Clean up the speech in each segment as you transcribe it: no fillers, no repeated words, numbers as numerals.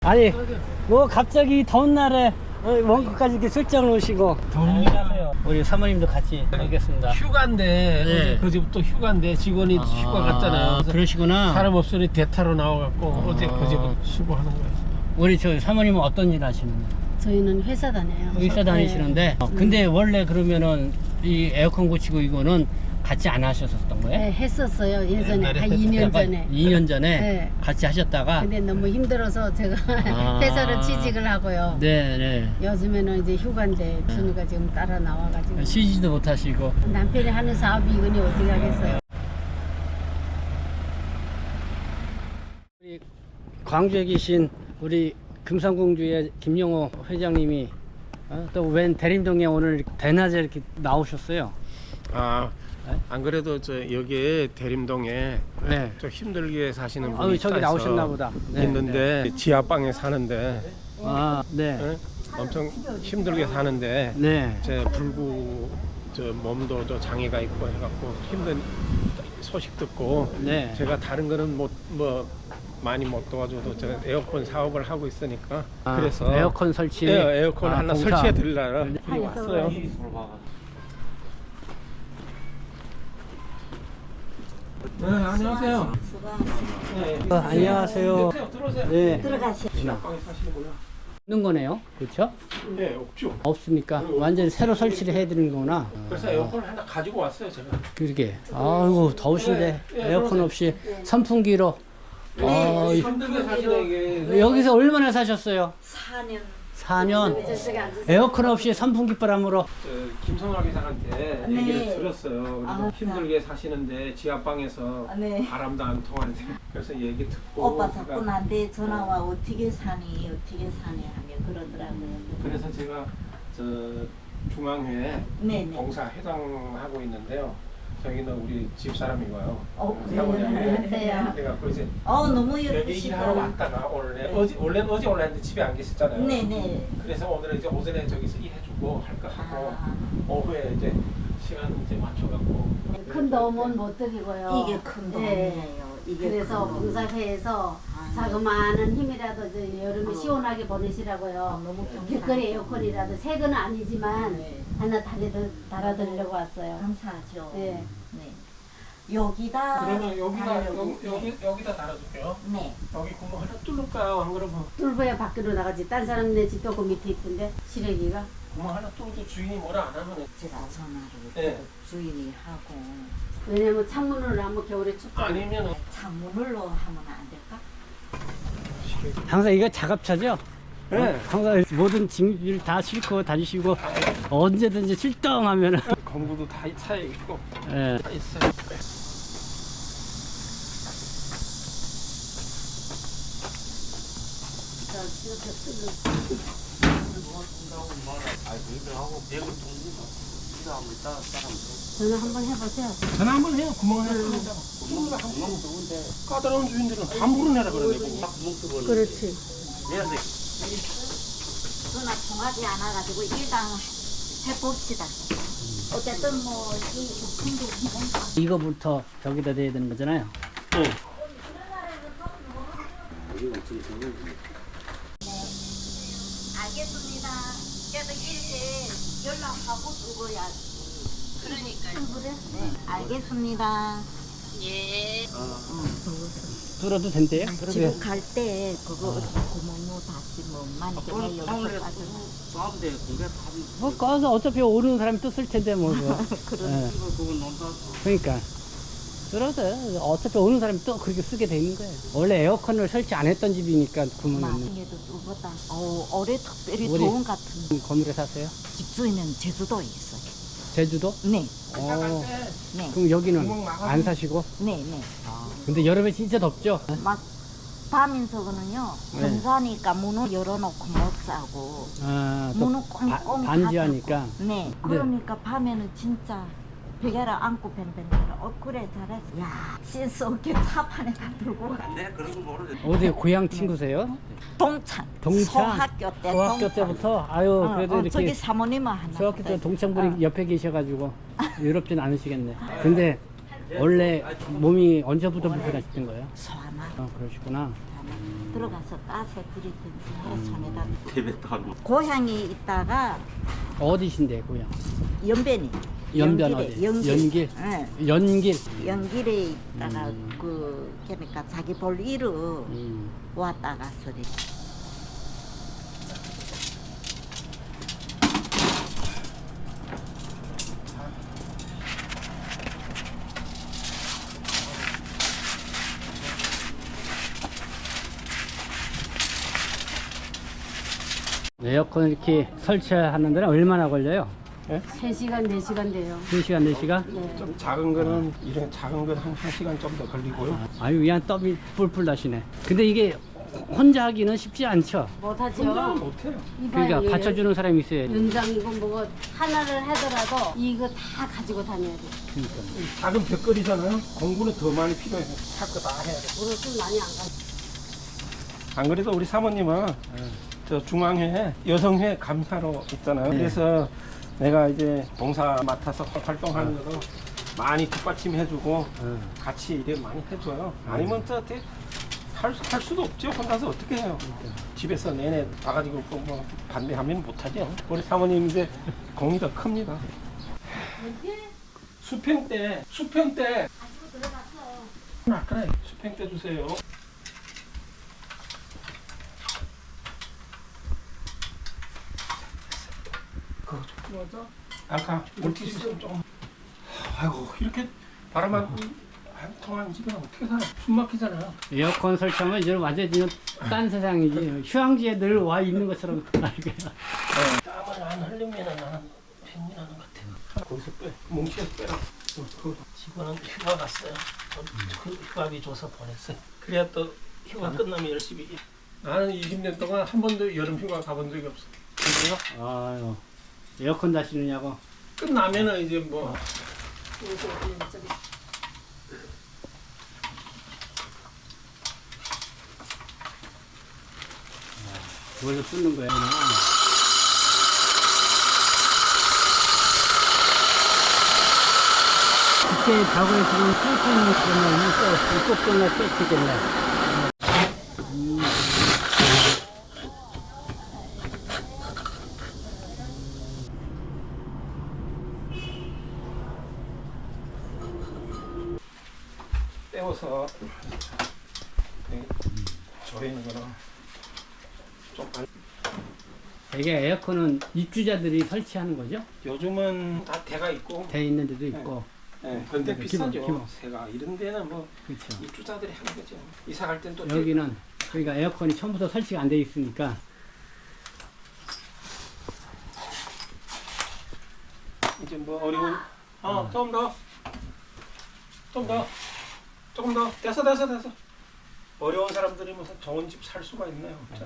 아니 뭐 갑자기 더운 날에 원주까지 이렇게 출장을 오시고 안녕하세요. 우리 사모님도 같이 뵙겠습니다. 휴가인데 네. 어제 그제부터 휴가인데 직원이 휴가 갔잖아요. 그래서 그러시구나. 사람 없으니 대타로 나와갖고 어제 그제부터 수고하는 거예요. 우리 저 사모님은 어떤 일 하시는데? 저희는 회사 다녀요. 의사 다니시는데 근데 원래 그러면은 이 에어컨 고치고 이거는 같이 안 하셨었던 거예요? 네, 했었어요. 예전에 옛날에 한 2년 전에. 2년 전에 네. 같이 하셨다가 근데 너무 힘들어서 제가 아. 회사를 취직을 하고요. 네네 요즘에는 이제 휴가인데 준이가 지금 따라 나와가지고 쉬지도 못하시고 남편이 하는 사업이 이거니 어떻게 하겠어요. 우리 광주에 계신 우리 금산공주의 김영호 회장님이 또 웬 대림동에 오늘 대낮에 이렇게 나오셨어요. 안 그래도 저 여기 대림동에 네. 좀 힘들게 사시는 아유, 분이 저기 있다 나오셨나 해서 보다. 네, 있는데 지하방에 사는데 아, 네. 엄청 힘들게 사는데 네. 제 불구 저 몸도 저 장애가 있고 해갖고 힘든 소식 듣고 네. 제가 다른 거는 뭐 많이 못 도와줘도 제가 에어컨 사업을 하고 있으니까 아, 그래서 에어컨 설치. 에어컨 하나 봉사. 설치해 드리려고 여기 왔어요. 네, 안녕하세요. 안녕하세요. 들어오세요. 네. 지하방에 사시는구나. 있는 거네요. 그렇죠? 네, 없죠. 없으니까 완전히 새로 설치를 해 드리는 거구나. 그래서 에어컨을 하나 가지고 왔어요, 제가. 그러게. 아이고 더우신데 에어컨 없이 선풍기로. 힘들게 사시는 게 여기서 얼마나 사셨어요? 4년. 4년. 에어컨 없이 선풍기 바람으로. 김성학 회장한테 네. 얘기를 들었어요. 아, 힘들게 사시는데 지하방에서 네. 바람도 안 통하는데 그래서 얘기 듣고 오빠 제가- 자꾸 나한테 전화와 어떻게 사니 하며 그러더라고요. 그래서 제가 저 중앙회 네네. 봉사 회장하고 있는데요. 저기는 우리 집사람이고요. 그래요? 안녕하세요. 그래갖고 이제 너무 여기 예쁘시다. 일하러 왔다가 원래 어제 올랐는데 집에 안 계셨잖아요. 네네. 그래서 오늘은 이제 오전에 저기서 일해주고 할 거 하고 아. 오후에 이제 시간 이제 맞춰갖고 큰 도움은 못 드리고요. 이게 큰 네. 돈이에요. 이게 그래서 큰 돈. 봉사회에서 아. 자그마한 힘이라도 이제 여름에 어. 시원하게 보내시라고요. 너무 감사해요. 길거리 에어컨이라도 새 건 아니지만 네. 하나 달아드리려고 왔어요. 감사하죠. 네. 네. 여기다 그러면 여기다 달려고. 여기다 달아줄게요. 네. 여기 구멍 하나 뚫을까요? 안 그러면 뚫어야 밖으로 나가지. 딴 사람네 집도 그 밑에 있던데 시래기가. 구멍 하나 뚫어도 주인이 뭐라 안 하면 제가 전화를 네. 주인이 하고 왜냐면 창문으로 하면 겨울에 춥고. 아니면 창문으로 하면 안 될까? 항상 이거 작업차죠? 네. 항상 모든 짐을 다 싣고 다니시고 언제든지 출동하면은 공구도 다 차에 있고 예. 다 있어요. 전화 한번 해보세요. 전화 한번 해요. 구멍 하나 뚫는다고. 구멍 좋은데 까다로운 주인들은 함부로 내라 그러네요. 그렇지. 전화 통하지 않아가지고 일단 해봅시다. 어쨌든 뭐이 부품도 기본가. 이거부터 저기다 대야 되는 거잖아요. 네. 알겠습니다. 그래서 이렇게 연락하고 그거야. 그러니까요. 그래? 네. 알겠습니다. 예. 뚫어도 된대요? 집에 갈 때 그거 구멍으로 다시 뭐 만약에 내 여기서 빠지면 뭐 꺼서 어차피 오는 사람이 또 쓸 텐데 뭐. 예. 그러니까 뚫어도 어차피 오는 사람이 또 그렇게 쓰게 돼 있는 거예요. 원래 에어컨을 설치 안 했던 집이니까 구멍이 있는. 나중에도 뚫보다 올해 특별히 올해. 더운 같은 건물에 사세요? 집주인은 제주도에 있어요. 제주도? 네, 네. 그럼 여기는 안 사시고? 네, 네. 근데 여름에 진짜 덥죠? 막 밤인서는요 네. 공사니까 문을 열어놓고 못 자고 아, 또 문을 꽁꽁 반지하니까. 닫고. 네, 그러니까 밤에는 진짜 베개를 안고 뱅뱅거려. 그래 잘했어. 야, 신스 어깨 차판에 다 들고 가. 어디 고향 친구세요? 동창. 동창? 소학교 때. 소학교 동창. 때부터? 아유, 그래도 이렇게. 저기 사모님은 하나. 중학교 때 동창분이 어. 옆에 계셔가지고 외롭진 않으시겠네. 근데 원래 몸이 언제부터 불편하셨던 거예요? 소아나. 그러시구나. 들어가서 따서 드리든지 해 손에다. 대배도 고향에 있다가 어디신데 고향? 연변이. 연변 연길에, 어디? 연길. 연길? 예. 연길. 연길에 있다가 그러니까 자기 볼 일을 왔다가 소리. 에어컨 이렇게 설치하는 데는 얼마나 걸려요? 3시간, 4시간 돼요. 3시간, 4시간? 네. 좀 작은 거는 이런 작은 건 한 1시간 좀 더 걸리고요. 아유, 그냥 땀이 뿔뿔 나시네. 근데 이게 혼자 하기는 쉽지 않죠? 못하죠. 못해요. 그러니까 받쳐주는 사람이 있어야지. 연장이고 뭐 하나를 하더라도 이거 다 가지고 다녀야 돼. 그러니까. 작은 벽걸이잖아요. 공부는 더 많이 필요해요. 할 거 다 해야 돼. 버릇은 많이 안 가. 안 그래도 우리 사모님은 저 중앙회 여성회 감사로 있잖아요. 그래서 내가 이제 봉사 맡아서 활동하는 것도 많이 뒷받침해주고 같이 일을 많이 해줘요. 아니면 저 어떻게 할 수도 없죠. 혼자서 어떻게 해요. 집에서 내내 와가지고 뭐 반대하면 못하죠. 우리 사모님 이제 공이 더 큽니다. 수평 때 그래 수평 때 주세요. 그거 좀 맞아? 아까 물티슈 좀. 아이고 이렇게 바람만 한 통한 집에 어떻게 살아? 숨 막히잖아. 에어컨 설치하면 이제 완전히 딴 세상이지. 휴양지에 늘 와 있는 것처럼 알게. 땀을 안 흘리면 나는 팽민하는 것 같아. 거기서 빼. 뭉치에서 빼라. 그 직원은 휴가 갔어요. 그 휴가비 줘서 보냈어요. 그래야 또 휴가 끝나면 열심히 일. 나는 20년 동안 한 번도 여름 휴가 가본 적이 없어. 그래요? 아유, 에어컨 다시느냐고. 끝나면은 이제 뭐 그걸로 뚫는 거야. 그때 과거에 지금 뚫는 그러면 또 끝나 뚫겠네. 떼워서 조이는 거는 좀 이게 에어컨은 입주자들이 설치하는 거죠? 요즘은 다 대가 있고 돼 있는 데도 있고. 네, 근데 기본, 비싸죠. 기본. 새가 이런 데는 뭐 그렇죠. 입주자들이 하는 거죠. 이사 갈 땐 또 여기는 그러니까 에어컨이 처음부터 설치가 안 돼 있으니까. 이제 뭐 어려운 조금 더 조금 더 됐어 어려운 사람들이 무슨 좋은 집 살 수가 있나요? 없잖아.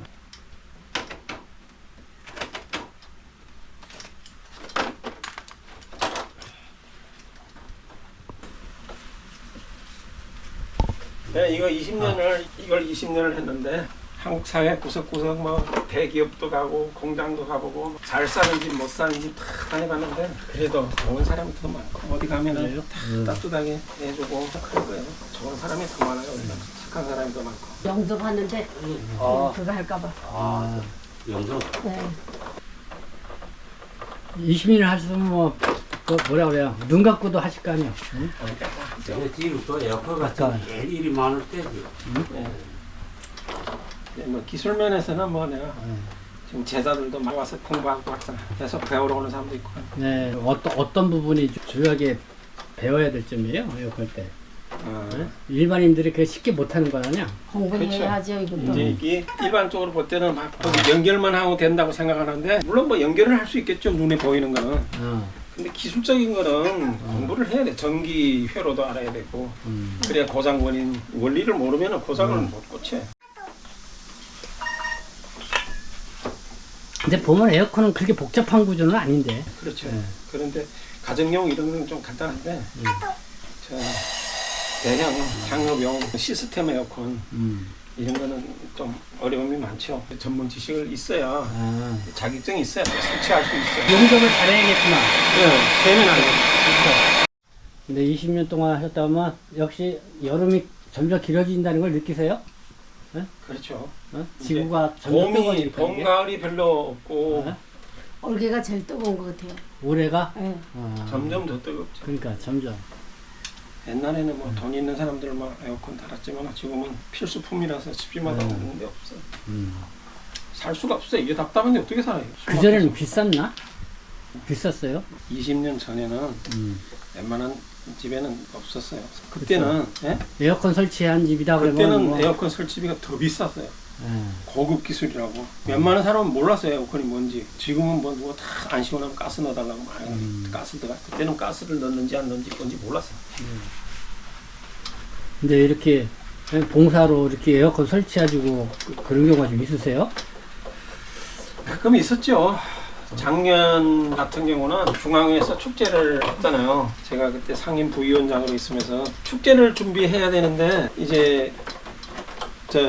네, 이걸 20년을 했는데 한국 사회 구석구석 뭐 대기업도 가고 공장도 가보고 잘 사는 집 못 사는 집 다 다녀봤는데 그래도 좋은 사람이 더 많고 어디 가면은 다 따뜻하게 해주고 그런 거예요. 좋은 사람이 더 많아요. 착한 사람이 더 많고. 영접하는데 그거 할까봐. 아, 영상. 네. 20년 하셨으면 뭐, 그 뭐라 그래요? 눈 감고도 하실 거 아니에요? 응? 내 뒤로 또 에어컨 아까. 같은 게 일이 많을 때죠. 네. 네, 뭐 기술 면에서는 뭐 내가 지금 제자들도 많이 와서 공부하고 학생 계속 배우러 오는 사람도 있고. 네, 어떤 부분이 주요하게 배워야 될 점이에요? 에어컨 때. 네? 일반인들이 그렇게 쉽게 못하는 거 아니야? 공부를 그렇죠. 해야죠, 이것도. 이제 이게 일반적으로 볼 때는 막 연결만 하고 된다고 생각하는데 물론 뭐 연결을 할 수 있겠죠. 눈에 보이는 거는. 근데 기술적인 거는 공부를 해야 돼. 전기 회로도 알아야 되고 그래야 고장 원인 원리를 모르면 고장을 못 고쳐. 근데 보면 에어컨은 그렇게 복잡한 구조는 아닌데. 그렇죠. 네. 그런데 가정용 이런 건 좀 간단한데 저 대형 상업용 시스템 에어컨 이런 거는 좀 어려움이 많죠. 전문 지식을 있어야 자격증이 있어야 설치할 수 있어요. 용접을 잘해야겠구나. 네, 세미나요. 근데 20년 동안 하셨다면 역시 여름이 점점 길어진다는 걸 느끼세요? 네? 그렇죠. 어? 지구가 점점 봄이 뜨거워지니까 봄 이게. 가을이 별로 없고 네? 올해가 제일 뜨거운 것 같아요. 올해가 네. 점점 더 뜨겁죠. 그러니까 점점. 옛날에는 뭐 돈 있는 사람들 막 에어컨 달았지만 지금은 필수품이라서 집집마다 없는 데 없어요. 살 수가 없어요. 이게 답답한데 어떻게 살아요? 그 전에는 비쌌나? 비쌌어요? 20년 전에는 웬만한 집에는 없었어요. 그때는 예? 에어컨 설치한 집이다 그러면 그때는 뭐, 에어컨 설치비가 더 비쌌어요. 예. 고급 기술이라고. 웬만한 사람은 몰랐어요 에어컨이 뭔지. 지금은 뭐 누가 다 안 시원하면 가스 넣어달라고 많이 가스 들어가. 그때는 가스를 넣는지 안 넣는지 뭔지 몰랐어요. 근데 이렇게 봉사로 이렇게 에어컨 설치해가지고 그런 경우가 좀 있으세요? 가끔 있었죠. 작년 같은 경우는 중앙에서 축제를 했잖아요. 제가 그때 상임 부위원장으로 있으면서 축제를 준비해야 되는데 이제 저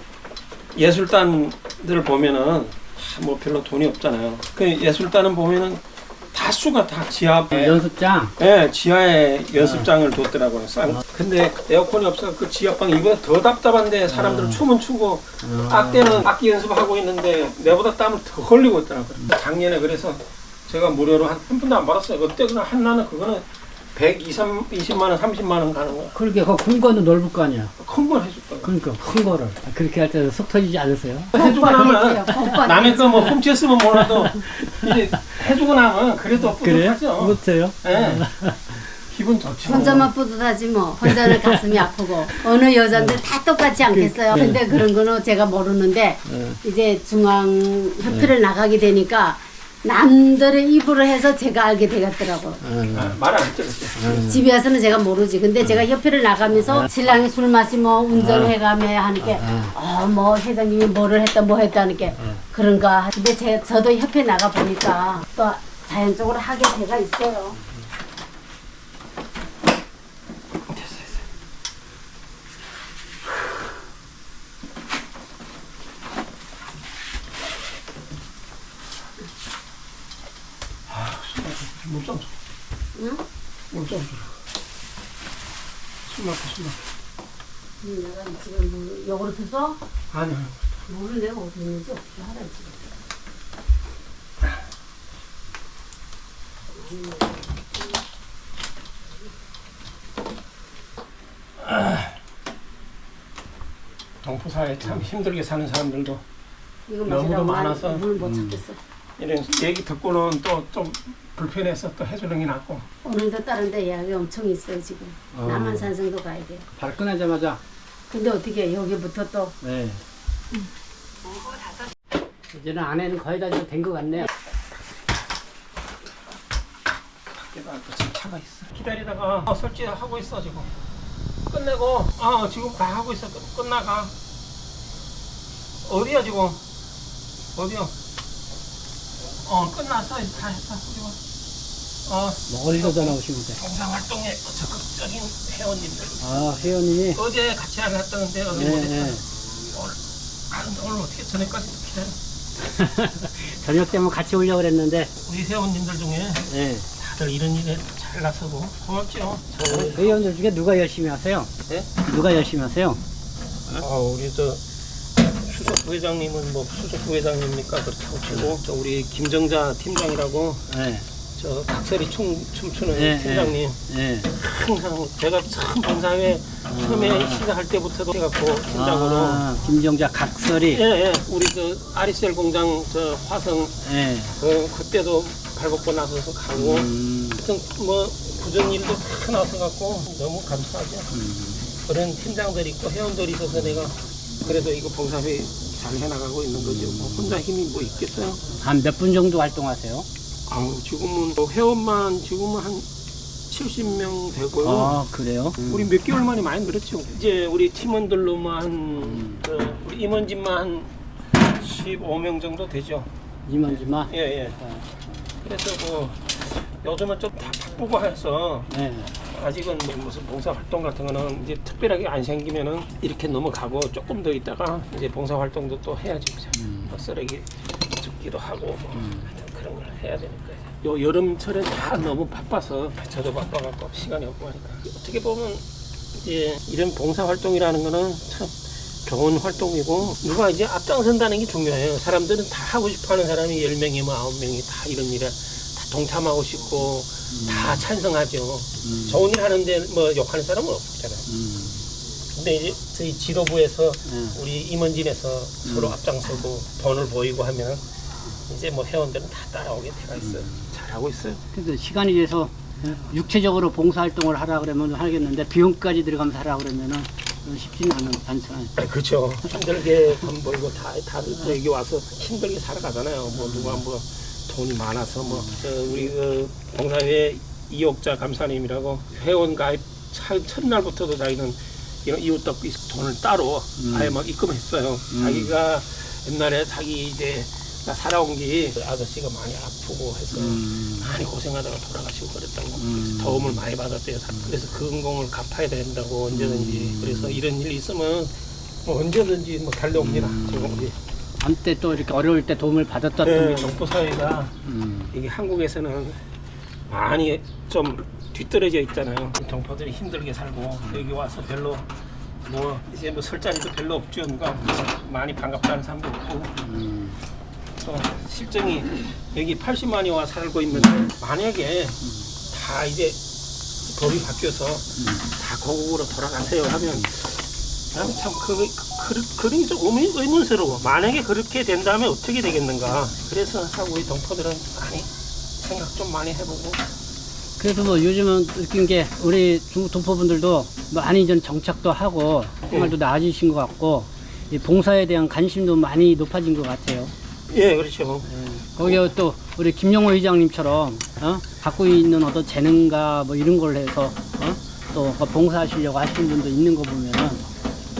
예술단들 보면은 뭐 별로 돈이 없잖아요. 그 예술단은 보면은 다수가 다 지하 연습장? 예, 지하에 연습장을 뒀더라고요. 근데 에어컨이 없어서 그 지하방 이보다 더 답답한데 사람들은 춤은 추고 악대는 악기 연습하고 있는데 내보다 땀을 더 흘리고 있더라고요. 작년에 그래서 제가 무료로 한 푼도 안 받았어요. 그때 그냥 한나는 그거는 120만 원, 30만 원 가는 거야. 그렇게 큰 거는 넓을 거 아니야. 큰 걸 해줬다고. 그러니까 큰 거를 그렇게 할 때는 속 터지지 않으세요? 해주고 나면 오빠 남의 거 뭐 훔쳤으면 몰라도 이제 해주고 나면 그래도 그래요? 뿌듯하죠. 못해요? 예. 기분 좋죠. 혼자만 뿌듯하지 뭐. 혼자는 가슴이 아프고. 어느 여자들 다 똑같지 않겠어요. 근데 그런 거는 제가 모르는데 이제 중앙협회를 나가게 되니까 남들의 입으로 해서 제가 알게 되겠더라고. 말 안 했죠 그때. 집에 와서는 제가 모르지. 근데 제가 협회를 나가면서 신랑이 술 마시면 운전해가며 하는 게, 뭐 회장님이 뭐를 했다 뭐 했다 하는 게 그런가. 근데 저도 협회 나가 보니까 또 자연적으로 하게 돼가 있어요. 물좀 줘. 응? 물좀 줘. 술 막혀. 내가 지금 뭐 요구르트 써? 아니요. 물을 내가 어디 있는지 어떻게 하라지. 동포사에 참 힘들게 사는 사람들도 이거 너무도 마시라고 많아서. 물못 찾겠어. 이런 얘기 듣고는 또 좀 불편해서 또 해주는 게 낫고. 오늘도 다른 데 예약이 엄청 있어요 지금. 남한산성도 가야 돼요. 발 꺼내자마자. 근데 어떻게 여기부터 또 네. 이제는 안에는 거의 다 된 것 같네요. 밖에가 또 지금 차가 있어. 기다리다가 설치하고 있어 지금. 끝내고 지금 다 하고 있어. 끝나가. 어디야 지금? 어디야? 끝났어. 다 했어. 지금. 멀리서 전화 오시면 돼. 봉사활동에 적극적인 회원님들. 회원님이. 어제 같이 나갔다는데 어느 네, 못했다. 네. 오늘 어떻게 저녁까지 기다려. 저녁 때면 같이 오려고 그랬는데. 우리 회원님들 중에 네. 다들 이런 일에 잘 나서고 고맙죠. 회원들 중에 누가 열심히 하세요? 네? 누가 열심히 하세요? 우리 저 수석 부회장님은 뭐 수석 부회장입니까? 그렇다고 치고 저 우리 김정자 팀장이라고 네. 저 각설이 춤추는 네, 팀장님 네. 항상 제가 처음 봉사회 처음에 시작할 때부터도 해갖고 팀장으로 김정자 각설이. 예 우리 그 아리셀 공장 저 화성 네. 그때도 발벗고 나서서 가고 하여튼 뭐 굳은 일도 다 나서갖고 너무 감사하죠. 그런 팀장들이 있고 회원들이 있어서 내가 그래도 이거 봉사회 잘 해나가고 있는 거죠. 뭐 혼자 힘이 뭐 있겠어요? 한 몇 분 정도 활동하세요? 지금은 뭐 회원만 지금은 한 70명 되고요. 그래요? 우리 몇 개월 만에 많이 늘었죠. 이제 우리 팀원들로만 우리 임원진만 한 15명 정도 되죠. 임원지마? 예. 그래서 뭐 요즘은 좀 다 바쁘고 해서 네. 아직은 무슨 봉사 활동 같은 거는 이제 특별하게 안 생기면은 이렇게 넘어가고 조금 더 있다가 이제 봉사 활동도 또 해야지. 뭐 쓰레기 줍기도 하고 뭐 하여튼 그런 걸 해야 되니까. 요 여름철에 다 너무 바빠서 저도 바빠갖고 시간이 없고 하니까 어떻게 보면 이제 이런 봉사 활동이라는 거는 참 좋은 활동이고 누가 이제 앞장선다는 게 중요해요. 사람들은 다 하고 싶어하는 사람이 10명이면 9명이 다 이런 일에 다 동참하고 싶고 다 찬성하죠. 좋은 일 하는데 뭐 욕하는 사람은 없잖아요. 근데 이제 저희 지도부에서 우리 임원진에서 서로 앞장서고 돈을 보이고 하면 이제 뭐 회원들은 다 따라오게 돼가 있어요. 잘하고 있어요. 근데 시간이 돼서 육체적으로 봉사활동을 하라 그러면 하겠는데 비용까지 들어가면서 하라 그러면은 쉽지는 않잖아요. 그렇죠. 힘들게 돈 벌고 다들 여기 와서 힘들게 살아가잖아요. 뭐 누가 뭐 돈이 많아서 뭐 우리 그 봉사회 이옥자 감사님이라고 회원 가입 첫날부터도 자기는 이런 이웃 돕기 돈을 따로 아예 막 입금했어요. 자기가 옛날에 자기 이제 살아온 게 아저씨가 많이 아프고 해서 많이 고생하다가 돌아가시고 그랬다고 그래서 도움을 많이 받았대요. 그래서 그 은공을 갚아야 된다고 언제든지. 그래서 이런 일이 있으면 뭐 언제든지 뭐 달려옵니다. 지금 한때 또 이렇게 어려울 때 도움을 받았던 네, 동포사회가 이게 한국에서는 많이 좀 뒤떨어져 있잖아요. 동포들이 힘들게 살고 여기 와서 별로 뭐 이제 뭐 설 자리도 별로 없죠. 누가 많이 반갑다는 사람도 없고 또 실정이 여기 80만이 와 살고 있는데 만약에 다 이제 법이 바뀌어서 다 고국으로 돌아가세요 하면 참 그런 게 좀 의문스러워. 만약에 그렇게 된다면 어떻게 되겠는가. 그래서 우리 동포들은 많이 생각 좀 많이 해보고. 그래서 뭐 요즘은 느낀 게 우리 중국 동포분들도 많이 좀 정착도 하고 생활도 나아지신 것 같고 이 봉사에 대한 관심도 많이 높아진 것 같아요. 예, 그렇죠. 거기에 또 우리 김용호 회장님처럼 갖고 있는 어떤 재능과 뭐 이런 걸 해서 또 봉사하시려고 하시는 분도 있는 거 보면은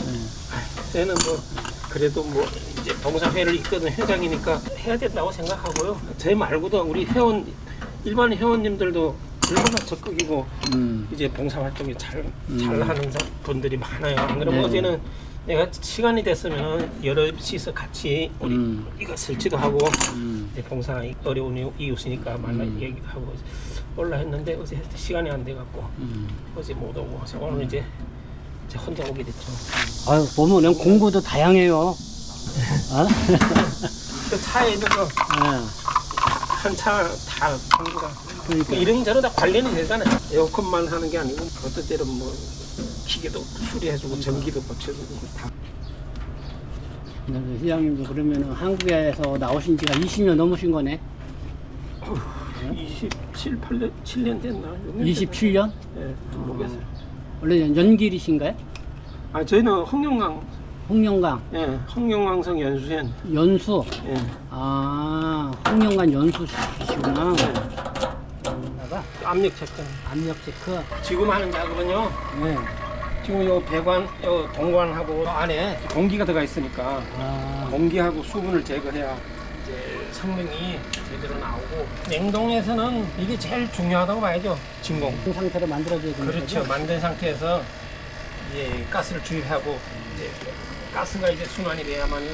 저는 뭐 그래도 뭐 이제 봉사회를 이끄는 회장이니까 해야 된다고 생각하고요. 제 말고도 우리 회원 일반 회원님들도 얼마나 적극이고 이제 봉사활동이 잘하는 분들이 많아요. 안 그러면 네. 어제는 내가 시간이 됐으면 여럿이서 같이 우리 이거 설치도 하고 이제 봉사 어려운 이웃이니까 만나 얘기도 하고 올라 했는데 어제 시간이 안 돼갖고 어제 못 오고 오늘 이제 혼자 오게 됐죠. 아유 보면 공부도 다양해요. 그 차에 있는 거 한 차 다 공부가 그러니까. 이런저런 다 관련이 되잖아요. 에어컨만 하는 게 아니고 어떤 때는 뭐 기계도 수리해주고 전기도 고쳐주고 다. 회장님도 그러면은 한국에서 나오신 지가 20년 넘으신 거네. 7년 됐나? 27년? 네, 모르겠어요. 원래 연길이신가요? 아 저희는 홍영강, 홍영강 예, 홍영강성 연수원. 연수. 예. 아 홍영강 연수시구나. 나가 압력 체크. 압력 체크. 지금 하는 작업은요. 네. 지금 요 배관, 요 동관하고 안에 공기가 들어가 있으니까 공기하고 수분을 제거해야 이제 성능이 제대로 나오고 냉동에서는 이게 제일 중요하다고 봐야죠. 진공. 그 상태로 만들어줘야 되는 그렇죠. 거죠? 만든 상태에서 이제 가스를 주입하고 이제 가스가 이제 순환이 돼야만이.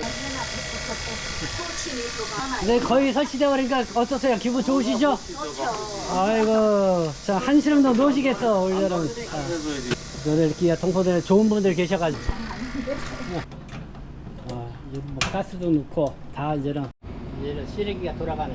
네, 거의 설치돼 버리니까 어떠세요? 기분 좋으시죠? 아이고, 자 한시름 더 놓으시겠어 올여름. 너들 이렇게 동포들 좋은 분들 계셔가지고. 이제 뭐 가스도 넣고 다 이제는 쓰레기가 돌아가네.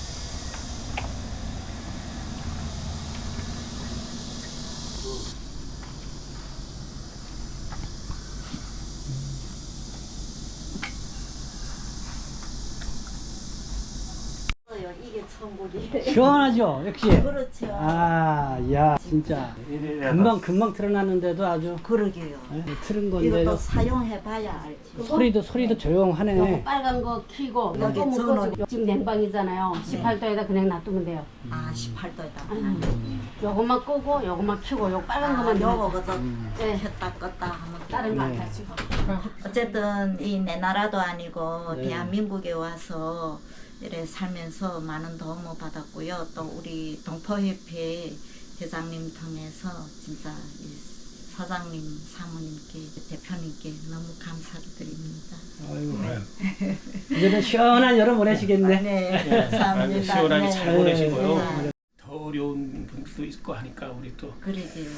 이게 천국이에요. 시원하죠, 역시. 그렇죠. 야, 진짜 금방 틀어놨는데도 아주 그러게요. 틀은 건데 이것도 사용해봐야 알지. 소리도 조용하네. 요거 빨간 거 켜고 여기 요거 저는- 묶어서 지금 냉방이잖아요. 18도에다 그냥 놔두면 돼요. 아 18도에다. 요것만 끄고 요것만 켜고 요 빨간 아, 거만 요거 넣으면 그저 네. 켰다 껐다 하면 다른 거 안 타시고. 어쨌든 이 내 나라도 아니고 네. 대한민국에 와서 이래 살면서 많은 도움을 받았고요. 또 우리 동포협회 회장님 통해서 진짜 이 사장님, 사모님께, 대표님께 너무 감사를 드립니다. 아이고, 이제는 시원한 여름 보내시겠네. 네, 감사합니다. 시원하게 잘 보내시고요. 네. 더 어려운 분들도 있고 하니까 우리 또 그러게요.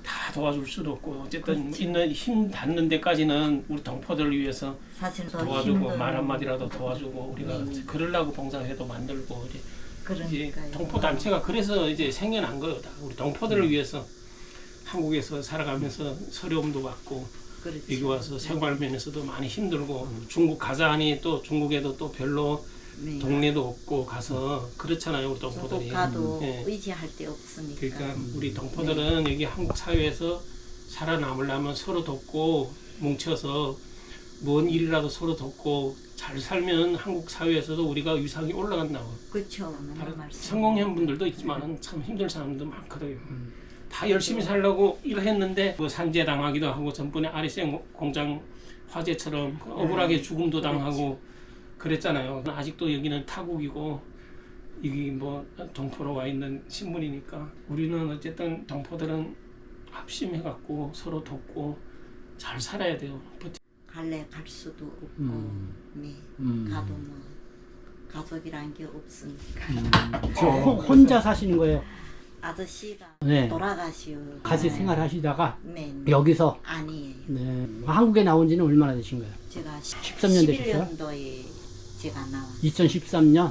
다 도와줄 수도 없고 어쨌든 있는 힘 닿는 데까지는 우리 동포들을 위해서 사실 더 도와주고 힘든 말 한마디라도 도와주고 우리가 네. 그러려고 봉사회도 만들고 이제 그러니까요. 동포 단체가 그래서 이제 생겨난 거다. 우리 동포들을 위해서 한국에서 살아가면서 서려움도 받고 그렇죠. 여기 와서 생활 면에서도 많이 힘들고 중국 가자니 또 중국에도 또 별로 네. 동네도 없고 가서 그렇잖아요 우리 중국 동포들이. 가도 예. 의지할 데 없으니까. 그러니까 우리 동포들은 여기 한국 사회에서 살아남으려면 서로 돕고 뭉쳐서 뭔 일이라도 서로 돕고 잘 살면 한국 사회에서도 우리가 위상이 올라간다고. 그렇죠. 맞는 말씀. 성공한 분들도 있지만은 참 힘든 사람도 많거든요. 다 열심히 살려고 일했는데 뭐 산재 당하기도 하고 전번에 아리생 공장 화재처럼 억울하게 죽음도 당하고 그랬잖아요. 아직도 여기는 타국이고 여기 뭐 동포로 와 있는 신분이니까 우리는 어쨌든 동포들은 합심해갖고 서로 돕고 잘 살아야 돼요. 갈래 갈 수도 없고 네. 가도 뭐 가족이란 게 없으니까. 저 혼자 사시는 거예요? 아저씨가 네. 돌아가시오. 같이 생활하시다가 네. 여기서 아니에요. 네. 한국에 나온 지는 얼마나 되신 거예요? 제가 13년 되셨어요? 11년도에 제가 나왔어요. 2013년?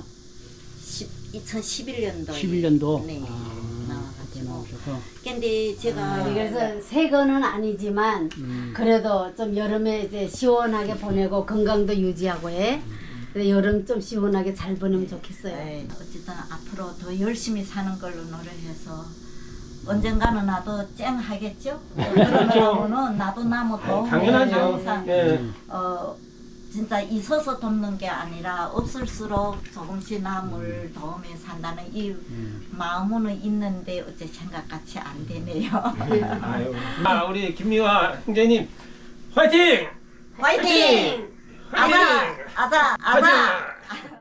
2011년도에 11년도? 네. 그때 나와가지고. 나오셔서. 근데 제가 그래서 새 거는 아니지만 그래도 좀 여름에 이제 시원하게 보내고 건강도 유지하고 해. 그래서 여름 좀 시원하게 잘 보내면 좋겠어요. 네, 어쨌든 앞으로 더 열심히 사는 걸로 노력해서 언젠가는 나도 쨍 하겠죠? 그러면은 나도 나무 도움을 당연하죠. 항상 예. 진짜 있어서 돕는 게 아니라 없을수록 조금씩 남을 도움에 산다는 이 마음은 있는데 어째 생각같이 안 되네요. 아유. 아 우리 김미화 형제님 화이팅! 화이팅! 아자! 아자! 아자!